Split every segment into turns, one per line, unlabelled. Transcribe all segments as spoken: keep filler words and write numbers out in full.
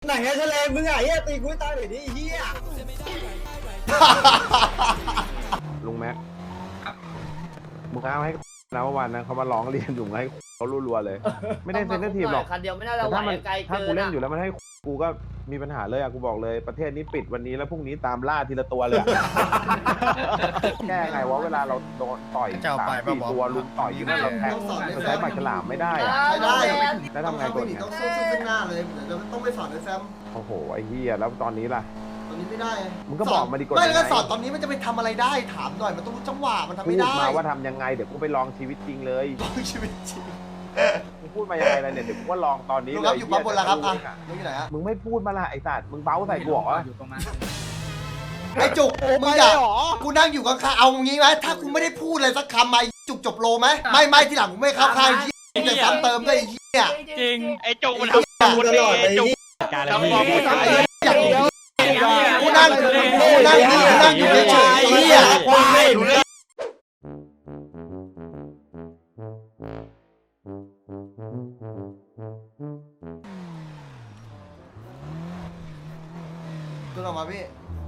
ไหนไงแฉลงมึงอ่ะเฮียตีกูตายเลยดิเฮีย
ลุงแม็กมึงเอาให้นะวันนั้นเขามาร้องเรียนอยู่ให้เขารัวๆเลยไม่ได้เซนเซทีฟหรอก
คันเดียวไม่น่าจะไหวไกลเกิน
ถ้ากูเล่นอยู่แล้วมันให้กูก็มีปัญหาเลยอะกูบอกเลยประเทศนี้ปิดวันนี้แล้วพรุ่งนี้ตามล่าทีละตัวเลยแก้ไงวะเวลาเราโดนต่อยสามสี่ตัวลุมต่อยอยู่นั่นเราแทงเราใช้ปากฉลามไม่ได้อะ
ไม่ได้
แล้วทำไงตัว
นี้
เนี้ย
ต้องสู้ซึ่งหน้าเลยเดี๋ยวต้องไปสอนด้วยแซม
โอ้โหไอ้เหี้ยแล้วตอนนี้ล่ะ
ตอนนี้ไม่ได้
มึงก็บอกมาดีกว่า
ไม่แล้วก็สอนตอนนี้มันจะไปทำอะไรได้ถามหน่อยมันต้องรู้จังหวะมันทำ
พู
ไม่
ด
ได้
มาว่าทำยังไงเดี๋ยวกูไปลองชีวิตจริงเลย
ลองชีวิตจริง
มึงพูดมายังไงล่ะเนี่ยเดี๋ยวกูก็ลองตอนนี้
ลุง
เล
ครับ
ย
อยู่ปั๊บบนแล้วครับอ่ะลุงอยู่ไหนฮะ
มึงไม่พูดมาละไอ้สัตว์มึงเบ้าใส่กูเหรอ
ไอ้จุกมึงอยากกูนั่งอยู่ข้างๆเอางี้ไหมถ้ากูไม่ได้พูดอะไรสักคำมาจุกจบโลไหมไม่ไม่ที่หลังกูไม่เข้าข้างยี่จะซ้ำเติมด้วยไอ้เหี้ย
จริงไอ้จุกมันทำตลอดไอ้จุกทำความพูด
อยากกูนั่งกูนั่งกูนั่งอยู่เฉยๆไอ้เหี้ย
ควายรู้เรื่อง
ตัวออกมาพี่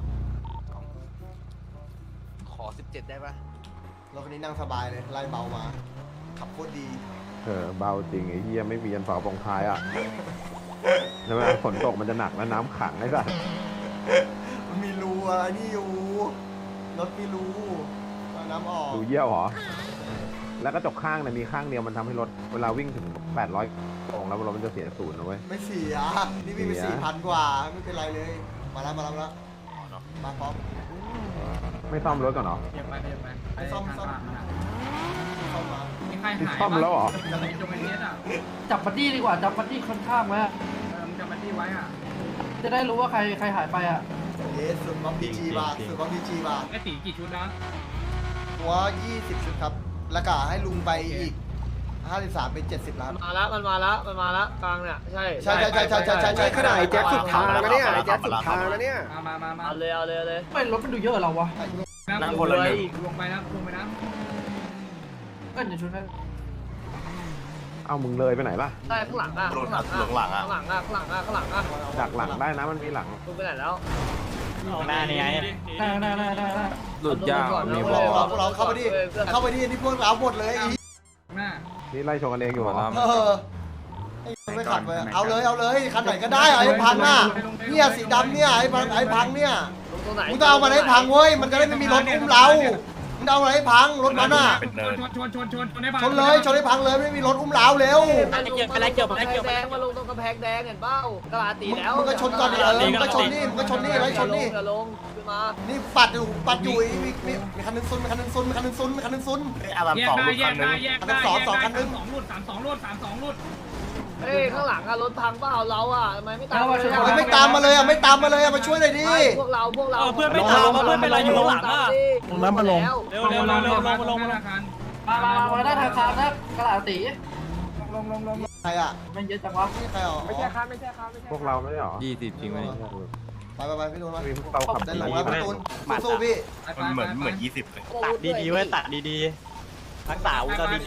ขอสิบเจ็ดได้ปะ
รถคันนี้นั่งสบายเลยไล่เบามาขับโคตรดี
เออเบาจริงไอ้เหี้ยไม่มียันฝากองท้ายอ่ะใช่ไหมฝนตกมันจะหนักแล้วน้ำขังไอ้สัส
มันมีรูอะไรนี่อยู่รถมีรูเอาน้ำออก
ดูเยี่ยวเหรอแล้วกระจกข้างเนี่ยมีข้างเดียวมันทำให้รถเวลาวิ่งถึงแปดร้อยตรงแล้วรถมันจะเสียศูนย์นะเว้ย
ไม่เสียนี่วิ่งไปสี่พันกว่าไม่เป็นไรเลยมาแล้วมาแล้วมาแล้วมาพร้อม
ไม่ซ่อมรถก่อนเหรอ
เดี๋ยวไปเดี๋ยวไป
ไม่ซ่อมซ่อม เข้ามา
มีใครหาย
ซ่อมแล้วเหรอ
จะไปจงไอเนสอ่ะ
จับบัดดี้ดีกว่าจับบัดดี้ค่อนข้างไว้อะ
เออมึงจะมาที่ไว้อ่ะ
จะได้รู้ว่าใครใครหายไปอ่ะ
เอสสุดบัมพีจีบาสุดบัมพีจีบา
ไอตีกี่ชุดนะ
หัวยี่สิบชุดครับแล้วก็ให้ลุงไปอีกห้าสิบสามเป็นเจ็ดสิบล้าน
มาแล้วมันมาแล้วมันมาแล้วกลางเนี่ยใช่
ใช่ใช่ใช่ใช่ใช่ใช่ใช่ขนาดไอ้แจ็คสุดทางแล้วเนี่ยไอ้แจ็คสุดทางแล้วเนี่ย
มามามามา
เอาเลยเอาเลยเอาเลย
ไม่รถมันดูเยอะเราวะ
นั่งคนละหนึ่งลงไปนะลงไปนะ
ก็อย่าชุดนั้น
เอามึงเลยไปไหนล่ะ
ใช่ข้างหลังอ่ะข้างหลังอ่ะข้างหลังอ่ะข้างหลังอ่ะข้างหลังอ่ะข้างหลังอ่ะ
ดักหลังได้นะมันมีหลัง
ลุงไปไหนแล้ว
หน้านี่ไง
ได้ได้ได้ได้ได้
หลุดยาว
พวกเราพวกเราเข้าไปดิเข้าไปดินี่พวกเราหมดเลย
หน้า
นี่ไล่ชนกันเองอยู่เหรอ
เออไอ้ไม่ขับเลยเอาเลยเอาเลยคันไหนก็ได้ไอ้พังอ่ะเนี่ยสีดำเนี่ยไอ้พังไอ้พังเนี่ย
ลงตรงไหน
มึงต้องเอามันให้พังเว้ยมันจะได้ไม่มีรถอุ้มเรามึงเอามันให้พังรถมันอ่ะ
ชนชนชนชนชนให้พัง
ชนเลยชนให้พังเลยไม่มีรถอุ้มเราเร็ว
ไปเกี่ยวไปเกี่ยวไปเกี่ยวแดงมาลงตรงกำแพงแดงเห็นเป้ากระลาตีแล้ว
มึงก็ชนก่อนดิเออมึงก็ชนนี่มึงก็ชนนี่ไว้ชนนี่
อย่าลงขึ้นมา
นี่ปัดอยู่ปัดอยู่มีมีมีคันหนึงซุนมีคันหนึงซุนมีคันหนึงซุนมีคันหนึงซุน
อารัม
แย
ส
ก
อง
ได้
ลูก
แย
คั
ก
นนึ
ได้
ง
แยกได้สองสองคันนึงสองรุ่นสามสองรุ่นสามสองรุ่น
เฮ้ยข้างหลังอะรถพังเปล่าเราอะทำไมไม่ตาม
ไม่ตามมาเลยอ่ะไม่ตามมาเลยอ่ะมาช่วยหน่อยดิ
พวกเราพวกเรา
เพื่อนไม่ตามเพื่อนเป็นไรอยู่ข้างหลังอ่ะ
ลงน้ำมาลง
เร็วเร็วเร็วเร็วลงลงลง
มามามาไว้ได้ทางคานนะกระดาษตี
ลงลงลง
ใครอ่ะ
มันเยอะจังวะ
นี่ใครอ่ะไม่ใช่ครับ
พวกเราไม่ใช่หรอ
ยี่สิบจริงไหม
ไปไปไปพี่ตูนมา
มีพวกเราขับ
ได้
ดี
ลงแล้วพี่ตูนสู้ๆพี่
มันเหมือนเหมือนยี่สิบเลย
ตัดดีๆเว้ยตัด
ดีๆทักษะอุตส่าห์ดี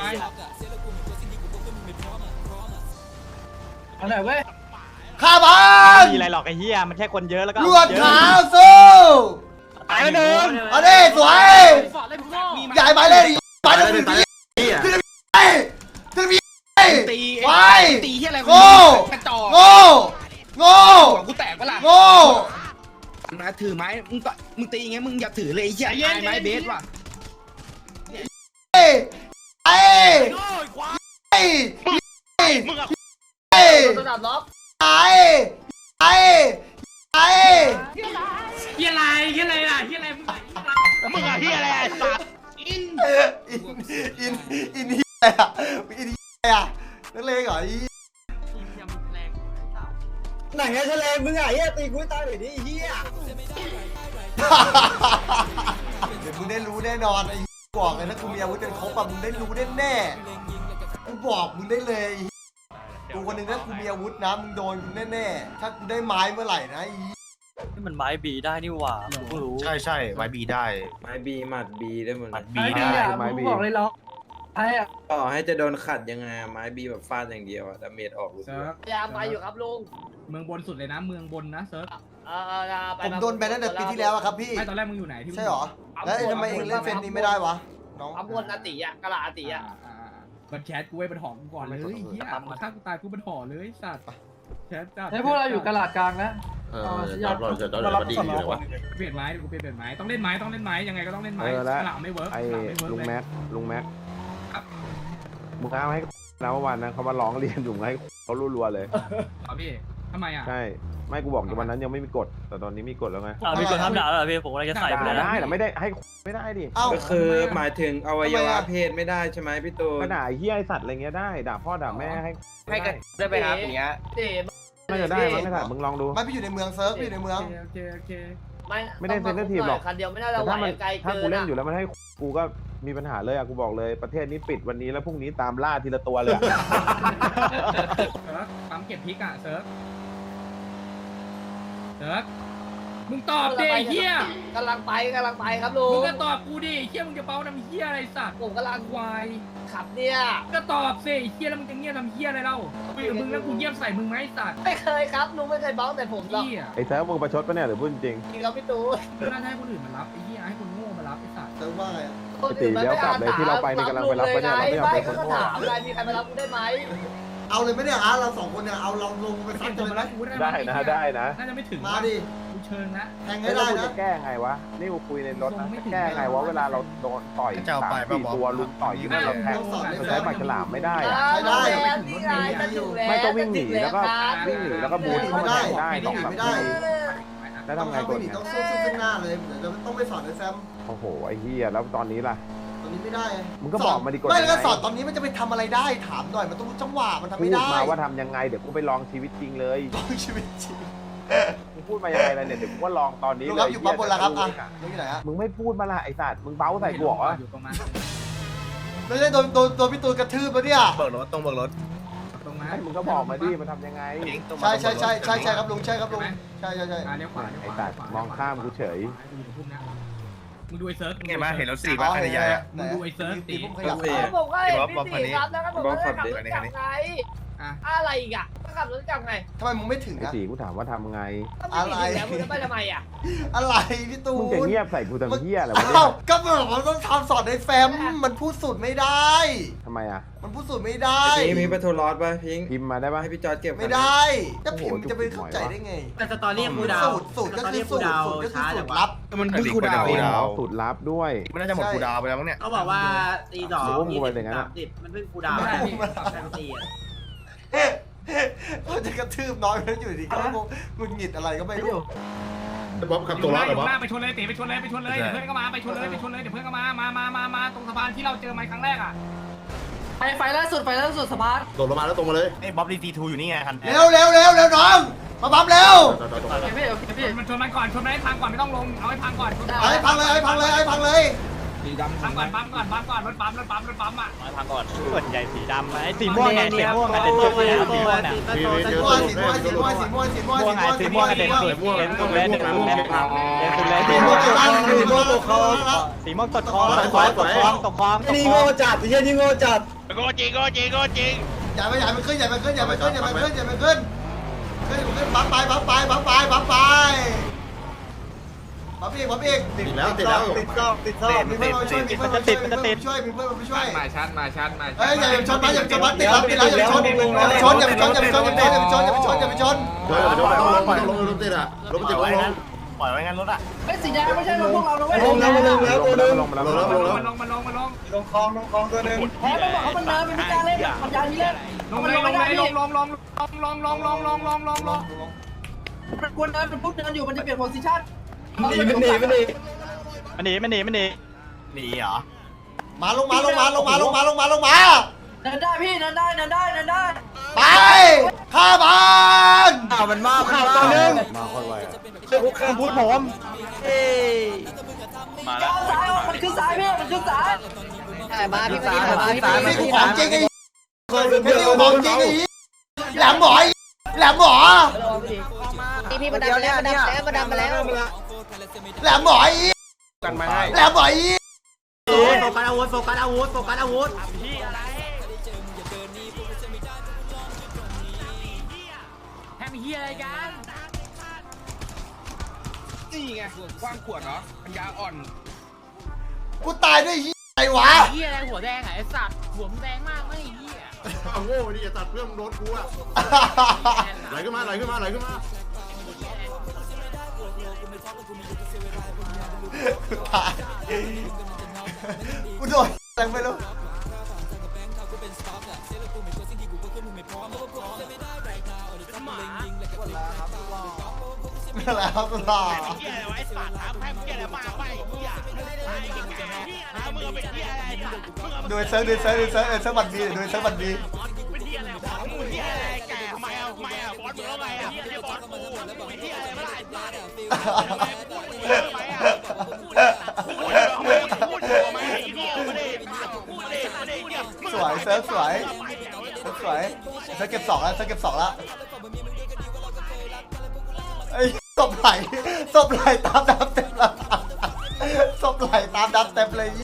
เอาหน่อยเว้ย
ข้าพัน
มีอะไรหรอกไอ้เหี้ยมันแค่คนเยอะแล้วก็
ลวดขาวสู้
ตายหนึ่ง
เอาดิสวยใหญ่ไปเลยไปเลยตีตีตีตีไปตีที่อะไรโง่โง่โง่กูแตกปะล่ะโง่
มาถือไม้มึงก็มึงตีอย่างเงี้ยมึงอย่าถือเลยไอ้เหี้ยไอ้ไม้เบสว่ะ
ไอ้ไอ้ไอ้ไอ้
ระดับล็อก
ไอ้ไอ้ไอ้
เฮียอะไรเฮียอะไรล่ะเฮียอะไรมึง
มึงอะเหี้ยอะไรไอ้สัตว์
อินอินอินอินอะไรอ่ะอินอะไรอ่ะนักเลงเหรออีไหนไงแฉลงมึงอ่ะเฮียตีกูตายเลยดิเฮียเดี๋ยวมึงได้รู้แน่นอนไอ้บอกเลยถ้ากูมีอาวุธเป็นครบอ่ะมึงได้รู้แน่แน่กูบอกมึงได้เลยกูคนหนึ่งถ้ากูมีอาวุธนะมึงโดนกูแน่ๆถ้ากูได้ไม้เมื่อไหร่นะอี
นี่มันไม้บีได้นี่หว่าผมเพิ่งรู้
ใช่ใช่ไว้บีได้
ไม้บีหมัดบีได้หมด
มัด
ไอ้
บี
ดี
ได้
อ่ะมึงบอกเลยล็อกไอ้อะ
ต่อให้จะโดนขัดยังไงอะไม้บีแบบฟาดอย่างเดียวอะดาเมจออกรู้สึก
พยายามไปอยู่ครับลุง
เมืองบนสุดเลยนะเมืองบนนะเซิร์ฟ
เออไป
ผมโดนแบนตั้งแต่ปีที่แล้วอะครับพี่
ไม่ตอนแรกมึงอยู่ไหนที่
ใช่หรอแล้วทำไมเองเล่นเฟนนี้ไม่ได้วะน้อง
อัมวนอาติอ่ะกะลาอาติอ่ะ
บันแชทกูไว้บันหอมกูก่อนเลยเฮียฆ่ากูตายกูบันหอเลยสัตว์แชทจัด
เฮ้ยพวกเราอยู่กระดาษกลางนะ
เออตอนเราจะตอนเราดีอยู่เลยวะ
เปลี่ยนไม้กูเปลี่ยนเปลี่ยนไม้ต้องเล่นไม้ต้องเล่นไม้ยังไงก็ต้องเล่นไม้
เออแล้ว
หลังไม่เวิร์ก
ไอ้
หลังไม่เวิร์ก
ลุง
เลย
แม็กลุงแม็ก
ครับ
มึงเอาให้นะเมื่อวานนะเขามาร้องเรียนอยู่ให้เขารัวๆเลย
อ๋อพี่ทำไมอ่ะ
ใช่ไม่กูบอกวันนั้นยังไม่มีกฎแต่ตอนนี้มีกฎแล้วไง
อ่ามีคนทำด่าแล้วเหรอพี่ผมกำลังจะใส่ไป
ด่า
แล้ว
ได้แต่ไม่ได้ให้ไม่ได้ดิ
เอ้า
ก็คือหมายถึงอวัยวะเพศไม่ได้ใช่ไหมพี่ตูน
ก็ด่าไอ้เหี้ยไอสัตว์อะไรเงี้ยได้ด่าพ่อด่าแม่ให้
ให้กันได้ไปครับอย่างเงี้ยเด็ก
น่าจะได้มั้งไอ้สัตว์มึงลองดู
ไม่พี่อยู่ในเมืองเซิร์ฟพี่อยู่ในเมือง
โอเคโอเค
ไม่
ไม่ได้เซ็นเตอร์ทีมหรอก
คันเดียวไม่ได้
แต่
เราไหว
ถ้ามัน
ไกล
ถ้า
เกิ
กู
น
เล่นอยู่แล้วมันให้กูก็มีปัญหาเลยอะกูบอกเลยประเทศนี้ปิดวันนี้แล้วพรุ่งนี้ตามล่าทีละตัวเลยอะ
เซิร์ฟปั๊มเก็บพริกอ่ะเซิร์ฟเซิร์ฟมึงตอบดิเฮีย
กำลังไปกำลังไปครับลุ
มึง
ง
ก็ตอบกูดิเฮียมึงจะเป้าทำเฮียอะไรสัตว์
ผมกำลัง
ควาย
ขับเนี่ย
ก็ตอบสิเฮียแล้วมึงจะเงียบทำเฮียอะไรเล่าคุยกับมึงแล้วกูเงียบใส่มึงไหมสัตว์
ไม่เคยครับลุงไม่เคยบ้องแต่ผมหรอก
เฮีย
ไอ้เซิร์ฟมึงประชดปะเนี่ยหรือพูดจริง
จริงครับพี่ตู
น่าจะให้คนอื่นมารับไอ้เฮียให้คนโง่มารับไอ้สัตว์
เซิร์ฟว่าไงอะ
คนอื่นมันไม่อาสาไม่ก็ถามอะไรมีใครมารับกูได้ไหม
เอาเลยไหมเนี่ยอาร์ตเราสองคนเนี่ยเอาเราลงไป
เก็
ซัด
บ
กั
ตั
น
ว
เลย
มา
ไหม
รับกูได้
ได้นะได้นะ
น่าจะไม่ถึง
มาดิ
กูเชิญนะ
แทง
แล้
ให้
ว
ได้
กู
นะ
จะแก้ไงวะนี่กูคุยในรถนะแก้ไงวะเวลาเราโดนต่อยสามสี่ตัวลุมต่อยอยู่นั่นเราแทงมันใช้หมากฉลามไม่ได้อะ
ใช่ได้นี่ไงจะถึงแล้ว
ไม่ก็วิ่งหนีแล้วก็วิ่งหนีแล้วก็บูทเข้ามาแทงได้สองสามทีแล้ว
ต้อง
ทำไง
เข้า
ก่
ไป
อน
หนี
เนี่ย
ต้องสู้ซึ่งหน้าเลยเดี๋ยวเราต้องไปสอนไอ้แซม
โอ้โหไอ้เหี้ยแล้วตอนนี้ล่ะ
ตอนนี้ไม่ได้
มึงก็บอกมาดีกว่า
ไม่แล้วก็สอนตอนนี้มันจะไปทำอะไรได้ถามหน่อยมันต้องรู้จังหวะมันทำ
พู
ไม่
ด
ได้
มาว่าทำยังไงเดี๋ยวกูไปลองชีวิตจริงเลย
ลองชีวิตจริง
มึงพูดมายังไงล่ะเนี่ยเดี๋ยวกูก็ลองตอนนี้
ลุง
เล
ครับ
ย
อยู่ปั๊มบนแล้วครับอ่ะลุงอยู่ไหนฮะ
มึงไม่พูดมาละไอ้สัตว์มึงเบ้าใส่กูเหรอ
อยู่ตรงนั้น
ไม่ใช่โดนโดนโดนพี่ตูนกระทืบปะเนี่ย
เบิกรถต้องเบิกรถ
ตรงนั้น
ให้มึงก็บอกมาดิมันทำยังไง
ใช่ใช่ใช่ใช่ใช่ครับลุงใช่ครับลุงใช่ใช่ใช่
อ่าเลี้ยวขวา
ไอ้สัตว์มองข้ามกูเฉย
มึงดูไอ้เซิร์ฟ
ไงมาเห็นรถสี่บ้านใหญ่อะ
มึงดูไอ้เซิร์ฟตี
ผมขยับ
ผมก็เห็นพี่ตีครับแล้วก็ผมก็ได้ขับรถจับไง
อ่ะ
อะไรอีกอ่ะก็ขับรถจับไง
ทำไมมึงไม่ถึง
ไอ้
อะ
สีกูถามว่าทำไง
ก็ไม่ถึงแล้วมึงจะไปทำไมอ่ะ
อะไรพี่ตู
มึงจะ
น
เงียบใส่กูทำเหี้ยอะไรวะเนี่
อ้าวย ก็บอกว่าต้องทำสอนในแฟมมันพูดสูตรไม่ได้
ทำไมอ่ะ
มันพูดสูตรไม่ได้
พี่มีปะโทรลอดป่ะพิง
พิมพ์มาได้ปะ
ให้พี่จอร์ดเก็บ
ไม่ได้จะพิมพ์จะไปเข้าใจได้ไง
แต่สตอรี่กูดาว
สูตรสูตรก็คือสูตรสูตรก็คือสูตรลับ
มันเพิ่งคูดาว
สูตรลับด้วย
มันน่าจะหมดคูดาวไปแล้วมั้งเนี่ย
เขาบอกว่าตีสอง
รู้ว่ามึงไปอย่างนั้นอะ
สิบมันเพิ่งกูดาว
ไม่ได้พี่
แทงตีอ่ะ
เขาจะกระทืบน้อยแล้วอยู่ดีก็งงงุนหงิดอะไรก็ไม่รู้
บ๊อบขับ
อ
ตัว
ยู่ห
รอ
น้า
ด
อ
เหรอยู่ บ๊อบ
หน้าไปชนเลยตีไปชนเลยไปชนเลยเดี๋ยวเพื่อนก็มาไปชนเลยไปชนเลยเดี๋ยวเพื่อนก็มามามามามาตรงสะพานที่เราเจอไม้ครั้งแรกอ่ะ
ไฟไฟล่าสุดไฟล่าสุดสะพาน
โดดลงมาแล้วตรงมาเลย
ไอ้บ๊อบดีทีทูอยู่นี่ไงคัน
เร็วเร็วเร็วเร็วน้องมาปั๊มเร็ว
โอเคพี่โอเคพี่
มันชนมันก่อนชนมันให้พังก่อนไม่ต้องลงเอาให้พังก่อน
เอาให้พังเลยเอาให้พังเลยเอาให้พังเลย
สีดำ
พังก่อนปั๊มก่อนปั๊มก่อนรถปั๊มรถปั๊มรถปั๊มอ่ะ
มาพังก่อน
ส่วนใหญ่สีดำไอ้สีม่วงไงสีม่วงไงเด่นสุดเลยสีม่วงเนี่ย
สีเดียว
สีม่วงสีม่วงสีม่วงสีม่วงสีม่วง
ม่วงไงสีม่วงไงเด่นสุดเด่นสุดเลยเด่นสุดเลยเด่นสุดเลย
สี
สี
ม่
ม่
ว
ว
ง
ง
ตกคลองสีม่วงตกคลอง
สีม่วงตกคลองตกคลองตกคลองตกคลองตกคลอง
นี่โง่จัดพี่นี่โง่จัด
โกจริงโกจริงโกจริง
อย่าไปอย่าไปขึ้นอย่าไปขึ้นอย่าไปขึ้นอย่าไปขึ้นอย่าไปขึ้นขึ้นขึ้นปั๊มไปปั๊มไปปั๊มไปปั๊มไปปั๊มอีกปั๊มอีก
ติดแล้วติดแล้ว
ติดก็ติดก็มีเพื่อนมาช่วยมีเพื่อนมาช่วยมีเพื่อนมาช่วยมีเพื่อนมาช่วย
มาชัดมาชัดมา
เฮ้ยอย่าชนมาอย่าชนมาติดแล้วติดแล้วอย่าไปชนอย่าไปชนอย่าไปชนอย่าไปชนอย่าไปชนอย่าไปชนอย่าไปชนอย่าไปชน
เดี๋ยวเดี๋ยวต้องลงต้องลงรถติดอ่ะรถติดต้องลง
ปล่อยไว้งั้นรถอ่ะ
ไอ้สีแดงไม่ใช่รถพวกเรานะเว้ย
ลงแล้วลงแล้วตัวนึง
ลงมาแล้ว
ลงแล้ว
มันลงมันลงมันลง
ลงคลองลงคลองตัวนึง
แพ้ต้องบอกเขามันเนินเป็นพิการเล่นปัญญานี้เล่น
ลงเลยลงเลยลงลงลงลงลงลงลงลงลงลง
มันกวนเนินเป็นพวกเนินอยู่มันจะเปลี่ยนโพสิชั่น
หนีมันหนีมันหนี
มันหนีมันหนีมันหนีหนีเหรอ
มาลงมาลงมาลงมาลงมาลงมาลงมา
เนินได้พี่เนินได้เนินได้เนินได้
ไปข้าบ้าน
ข่าวมันมาข่าวตัวนึง
มาค่อยไว
ข้ามพูดผมเอ้ย
มาแล้ว
ก้าวซ้ายมันขึ้นซ้ายพี่มันขึ้นซ้าย
มาพี่มาพี่มาพี่
นี่กูของจริงไอ้แค่นี้กูของจริงไอ้แหลมหมอแหลมหมอ
พี่พี่มาดันมาแล้วมาดันแล้วมาดันมาแล้ว
แหลมหมอ
กันมาให้
แหลมหมอ
โฟกัสอาวุธโฟกัสอาวุธโฟกัสอาวุธ
แทงเฮียอะไรกัน
นี่ไงกว้างขวดเนาะปัญญาอ่อน
กูตายด้วยไอ้วะ
เฮียอะไรหัวแดงไอ้สัตว์หัวแดงมากไม่เฮีย
เอาโง่ดิอย่าตัดเพื่อนมึงโดนกูอะไหลขึ้นมาไหลขึ้นมาไหลขึ้นมา
กูตายกูโดนแรงไปแล้วนั่นแหละครับคุณต่อ
เฮียอะไรวะไอ้สัตว์ถามแพ้เฮียอะไรมาไปเฮียไอ้เก่งเฮียอะไรมึงเป็นเฮียอะไร
โดยเซิร์ฟโดยเซิร์ฟโดยเซิร์ฟเออเซิร์ฟบัตรดีโดยเซิร์ฟบัตรดี
เป็นเฮียอะไรวะมึงเฮียอะไรแก่ทำไมอ่ะทำไมอ่ะบอสมึงแล้วไงอ่ะเฮียอะไรบอสกูเป็นเฮียอะไรมาไล่สัตว์ทำไมพูดทำไมอ่ะพูดทำไมพูดทำไมเฮียไม่ได้พูดเลยไม่ได้เฮีย
สวยเซิร์ฟสวยเซิร์ฟสวยเซิร์ฟเก็บสองแล้วเซิร์ฟเก็บสองแล้วไอ้ศพไหลศพไหลตามดับเต็มแล้วศพไหลตามดับเต็มเลย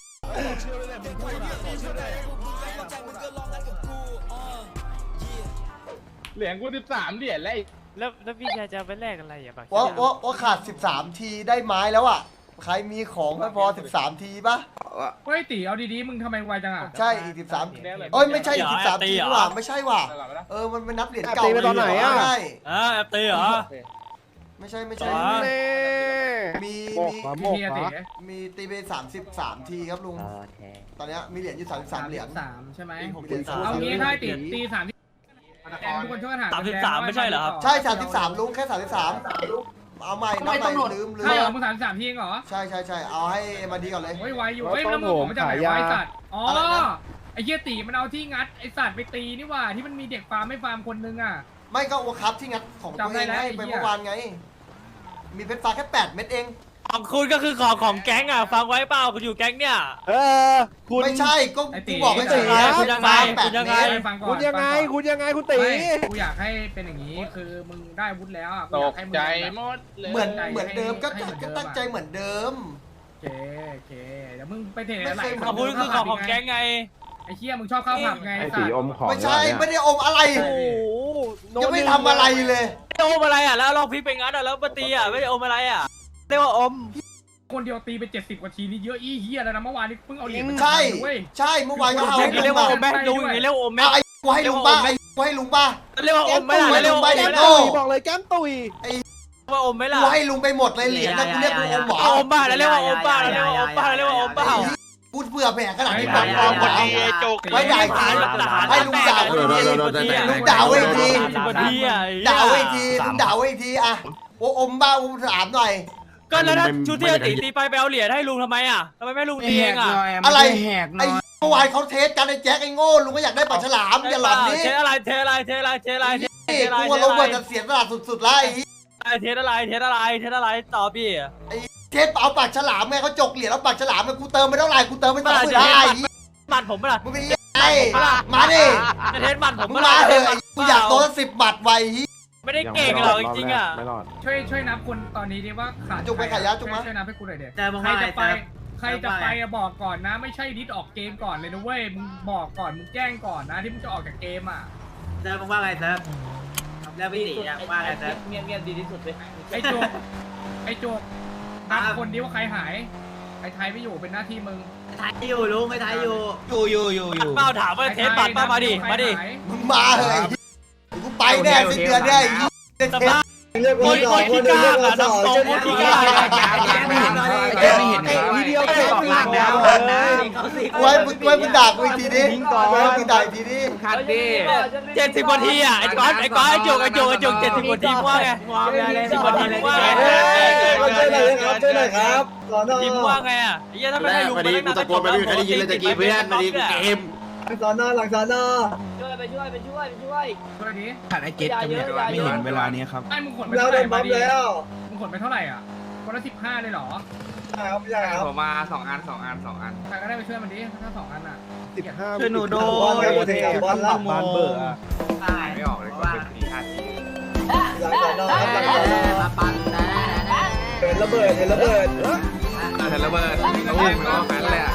เหรียญกูสิบสามเหรียญแล้ว
แล้วแล้วพี่ชายจะเอาไปแลกอะไรอ่ะบัก
ว่าว่าว่าขาดสิบสามทีได้ไม้แล้วอ่ะใครมีของไม่พอสิบสามทีป่ะ
เฮ้ยตีเอาดีๆมึงทำไมไวจังอ่ะ
ใช่อีกสิบสามเอ้ยไม่ใช่อีกสิบสามทีนี่หว่าไม่ใช่ว่ะเออมันเป็นนับเหรียญเก่าใช่
อ่าแอปตีเหรอ
ไม่ใช่ไม่ใช่
อ๋อ
มีมี
พี่เฮียตี
มีตีไปสามสิบสามทีครับลุงตอนนี้มีเหรียญอยู่สามสิบสามเหรียญ
สามใช่ไหม
มีเหรียญสาม
เอางี้ถ้าตีตีสามที่แดงทุกคนช่วยกันหา
สามสิบสามไม่ใช่เหรอครับ
ใช่สามสิบสามลุงแค่สามสิบสามเอาใหม่นับใหม่ลืมลื
ใช่เหรอ
ม
มึงสามสามทีเองเหรอ
ใช่ใช่ใช่เอาให้มาดีก่อนเลย
เฮ้ยไวอยู่เฮ้ยมันผมมาจากไหนวะไอ้สัตว์อ๋อไอ้เหี้ยตีมันเอาที่งัดไอ้สัตว์ไปตีนี่ว่าที่มันมีเด็กฟาร์มไม่ฟาร์มคนนึงอ่ะ
ไม่ก็โอคัพที่งัดของตัวเองให้ไปเมื่อวานไง มีเพชรฟ้าแค่แปดเม็ดเอง
ของคุณก็คือของของแก๊งอ่ะฟังไว้เปล่าคุณอยู่แก๊งเนี่ย
เออคุณ
ไม่ใช่ก็กูบอกไม่ใช่
คุณยังไง
แป
คุ
ด
ณยัง
เม
ไง
ตร
ฟังก่อน
คุณยังไงคุณยังไงคุณตี
ไม่กูอยากให้เป็นอย่างนี้คือมึงได้อาวุธแล้วอ่ะกูอยากให้มึงแบบ
เหมือนเหมือนเดิมก็ก็ตั้งใจเหมือนเดิม
โอเคโอเคเดี๋ยวมึงไปเทอะไร
ของคุณคือของของแก๊งไง
ไอ้เหี้ยมึงชอบข้าวผับไง
ไอ้
สั
ตี
ตว์
อมของ
ไม่ใช่ไม่ได้อมอะไร
โอ้โห
ยังไม่ทำอะไรเลย
ไม่อมอะไรอ่ะแล้วลองพลิกไปงั้นอ่ะแล้วมาตีอ่ะไม่ได้อมอะไรอ่ะเรียกว่าอม
คนเดียวตีไปเจ็ดสิบกว่าทีนี่เยอะอี้เหี้ยแล้วนะเมื่อวานนี้เพิ่งเอาเหรียญมา
ใช่
เว้ย
ใช่เมื่อวานก็เอา
อย่างนี้เรียกว่าอมไหมลุงอย่างนี้เรียกว่าอมไหม
เอาไอ้กูให้ลุงป้าไอ้กูให้ลุงป้า
เรียกว่าอมไหมล่ะ
ไม่
เรียกว่าอม
ไม่
ไหม
โง่
ล่ะ
บอกเลยแก้มตุย
ว่าอมไหมล่ะ
กูให้ลุงไปหมดเลยเหรียญนะกูเรียกกูอมหมอ
เอาอมบ้าแล้วเรียกว่าอมบ้าแล้วเรียกว่าอมบ้าแล้วเรียกว่าอมบ้า
กูเบื่อแผลขนาดนี้
ไ
แบบอมหมด
อ้
เอา
โจก
ไม่ได้ทีให้ลุงด่า
เดี๋ยวเดี๋ยวเดี๋ยวเดี๋ยว
ลุงด่าไว้อีกที
สิบนาทีอ่ะ
ด่าไว้อีกทีลุงด่าไว้อีกทีอะโอ้อมบ้าอมถามหน่อย
ก็แล้วถ้าชุดที่ตีตีไปไปเอาเหรียญให้ลุงทำไมอ่ะทำไมไม่ลุงตีเองอ่ะ
อะไร
แหกหน่
ไอ้
อย
เมื่อวานเขาเทสกันไอ้แจ็คไอ้โง่ลุงก็อยากได้ปากฉลามอย่าหลอนนี่
เทอะไรเทอะไรเทอะไรเทอะไรเท
นี่
อะไร
กูว่าโรเบิร์ตจะเสียสละสุดๆแล้วไอ้
เทอะไรเทอะไรเทอะไรต่อพี่
เทสเอาปากฉลามไงเขาจกเหรียญแล้วปากฉลามไงกูเติมไปเท่าไหร่กูเติมไปสองหมื่นได้
มันผมล่ะ
มึงเป็นยังไงมาดิ
จะเทสมันผม
มึงมาเถอะกูอยากโดนสิบบัตรไว้
ไม่ได้เก่งหรอกจริงๆอ่ะ
ไม่รอด
ช่วยช่วยนับคนตอนนี้ดิว่าขาด
จุกไปขายยาจุกมา
ช่วยนับให้กูหน่อยเด็ก
แต่มึง
ใคร
ว่าไง
จะไป
แต่
ใครจะไปอะบอกก่อนนะ ไม่ใช่ดิสออกเกมก่อนเลยนะเว้ยมึงบอกก่อนมึงแจ้งก่อนนะที่มึงจะออกจากเกมอ่ะ
เซิร์ฟมึงว่าไงเซิร์ฟแล้วพี่ตีอะว่าไงเซิร์ฟ
เงียบเงียบดีที่สุดเลยไอ้โจกไอ้โจกนับคนดิว่าใครหายไอ้ไทยไม่อยู่เป็นหน้าที่มึง
ไทยอยู่ลุงไอ้ไทยอยู่
อยู่อยู่อยู่อยู่
เป้าถามว่าเทสบัตรป้ามาดิมาดิ
มึงมาเถอะกูไปแน่สิ้นเดือนเนี่ยไอ้
สภาพคนคนที่กล้าอ่ะน้ำตรงคนที่กล้า
ไม่เห็นแกไม่เห็นครับ
ทีเดียวแค่ปีกแล้ว
เขาสิ
ไว้มึงไว้มึงด่ากูอีกทีดิไว้มึงด่าอีกทีดิ
คัดดิ
เจ็ดสิบนาทีอ่ะไอ้ก้อนไอ้ก้อนไอ้จุกไอ้จุกไอ้จุกเจ็ดสิบนาทีว่าไง สิบนาทีว่าไง
ช่วยหน่อยครับช่วยหน่อยครับ
ทีมว่าไงอ่ะไอ้เหี้ยถ้าไม่
แร
ให้
ก
ลุง
มาดีกูตะโกนไปไม่มีใครได้ยินเลยตะกี้เพื่อนมาดีกูเกม
สอนอหลังสอนอ
ช่วยดิ
คัดไอเจ็ดกับเนี่ยไม่เห็นเวลานี้ครับ
ไอ้มึงขนไปเท่าไหร่มาดิมึงขนไปเท่าไหร่อ่ะคนละสิบห้าเลยเหรอ
ผมมาสองอันสองอันสองอัน
ใครก็ได้ไปช่วยมันดิถ้าสองอันอ่ะ
สิบห้า
ช่วยหนูโด
บอลละบอลเบอร์อะ
ตาย
ไม่ออกเลยก็เป็นสี่ห้าที
หลังสอนอครับหลังสอนอมาปั่นนะ
เห็นระเบิดเห็นระเบิด
เห็นระเบิดตู้มันก็แฟนเลยอ่ะ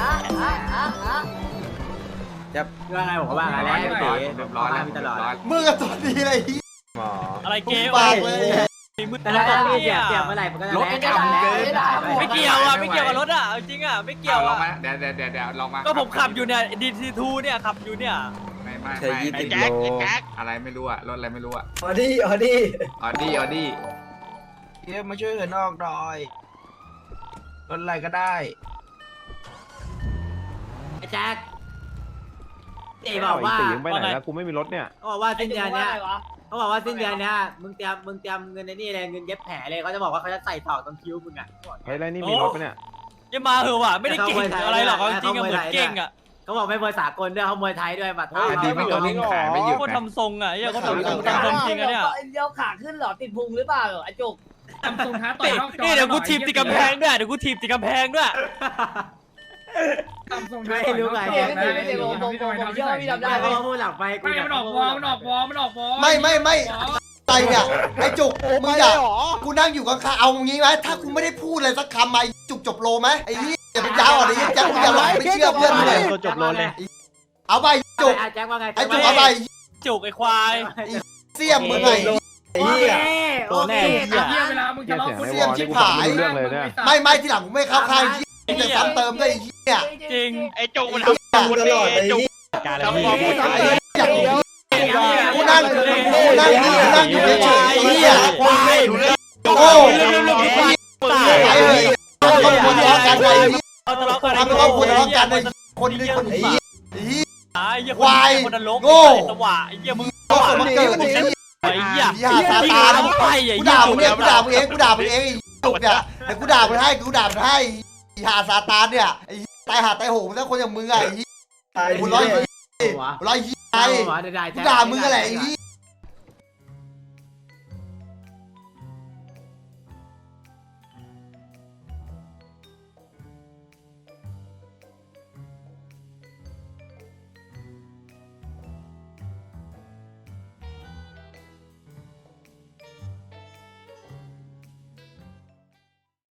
ว่าไงผมว่าไงแล้วตี
เรียบร้อยแล้วเรียบร้อย
มึงกับตัวดีเลย
หมอ
อะไรเกม
ปากเลย
มึง
แต่
ต
ถ้า
ล
มี
ก
เสีย
เนี่ย
เสียเมื่อไหร่มันก็จะ
รถ
แรง
กำ
แรง
เกิน
ไม่เกี่ยวอ่ะไม่เกี่ยวกับรถอ่ะจริงอ่ะไม่เกี่ยว
ลอง
อ่ะ
มาเดี๋ยวเดี๋ยวเดี๋ยวเดี๋ยวลองมา
ก็ผมขับอยู่เนี่ยดีทีทูเนี่ยขับอยู่เนี่ย
ไม่ไม่
เธอยี่
ไม่
สิบ
แจ็คไอ้แจ็ค
อะไรไม่รู้อะรถอะไรไม่รู้อะ
ออดี้ออดี้
ออดี้ออดี้
เดี๋ยวมาช่วยเหินออกหน่อยรถอะไรก็ได้
ไอ้แจ็คตี
ไอ้
บอกว่า
ตียังไปไหนแล้วกูไม่มีรถเนี่ย
เขาบอกว่าสิ้นเดือนเนี้ยเขาบอกว่าสิ้นเดือนเนี้ยมึงเตรียมมึงเตรียมเงินในนี่เลยเงินเย็บแผลเลยเขาจะบอกว่าเขาจะใส่ตอกตรงคิ้วมึงอ่ะ
เฮ้ยแล้วนี่มีรถปะเนี่ย
อย่ามาเหอะว่ะไม่ได้เก่งอะไรหรอกจริงๆอะเหมือนเก่งอ่ะ
เขาบอกไม่มวยสากลด้วยเขามวยไทยด้วยมา
เฮ้ย
ดีไม่ต้องขายไม่หยุด
ก็
นะ
ทำทรงอ่ะเหี้ยก็ทำทรงทำทรงจริงอ่ะเนี่ย
เดียวขาขึ้นหรอติดพุงหรือเปล่าไอ้จุก
ทำทรงท้าต่อยนอกจอ
นี่เดี๋ยวกูทีบติดกำแพงด้วยเดี๋ยวกูทีบติดกำแพงด้วย
ทำทรงท้าต่อยนอกจอนะ
ไม่ได้ผมผมผมเชื่อว่าพี่ทำได้เพราะว่าพูดหลังไป
ไม่มันออกวอลมันออกวอลมันออกวอล
ไม่ไม่ไม่ไอเนี่ยไอจุกมึงอะกูนั่งอยู่ข้างๆเอางี้ไหมถ้ากูไม่ได้พูดอะไรสักคำมาจุกจบโลไหมไอ้นี่อย่าเป็นยาวอ่ะไอ้แจ็คมึงอย่าหลอกไม่เชื่อเพื่อนเลย
จบโลเลย
เอาไปจุก
แจ็คว่าไง
ไอจุกเอาไป
จุกไอ้ควาย
เสี่ยมมึงไง
โอเคโอเค
เหี้ยเวลามึงทะเลาะ
เสียงในวอลนี่กูฟังไม่รู้เรื่องเลยเนี่ย
ไม่ไม่ที่หลังมึงไม่เข้าข้างไอ้จะซ้ำเติมด้วยไอ้เนี่ย
จริง
ไอ้จุกมันทำกูตลอดไอ้จุกทำกู
กูนั่งกูนั่งกูนั่งอยู่เฉยๆไอ้เหี้ยควายโอ้ไอ้เหี้ยทำครอบครัวทะเลาะกันไอ้เหี้ย
ทะเลาะกัน
ทำครอบครัวทะเลาะกันไอ้คนนี้คนนี้ไอ้เหี้ย
ไอ้เหี้ย
ควาย
คนนรก
โง่
สว่ะไอ้เหี้ยมึง
ก็คนมันเกิดไอ้เหี้ย
ไอ้เหี้ย
ไอ้เหี้ยซาตาน
ไอ้เหี้ย
กูด่ามึงเนี่ยกูด่ามึงเองกูด่ามึงเองไอ้จุกเนี่ยแต่กูด่ามึงให้กูด่ามึงให้ไอ้หาซาตานเนี่ยไอ้ตายหาตายโหงแล้วคนอย่างมึงไงไอ้กูร้อยยี่ร้อยยี่ไงกูด่ามึงอะไรไอ้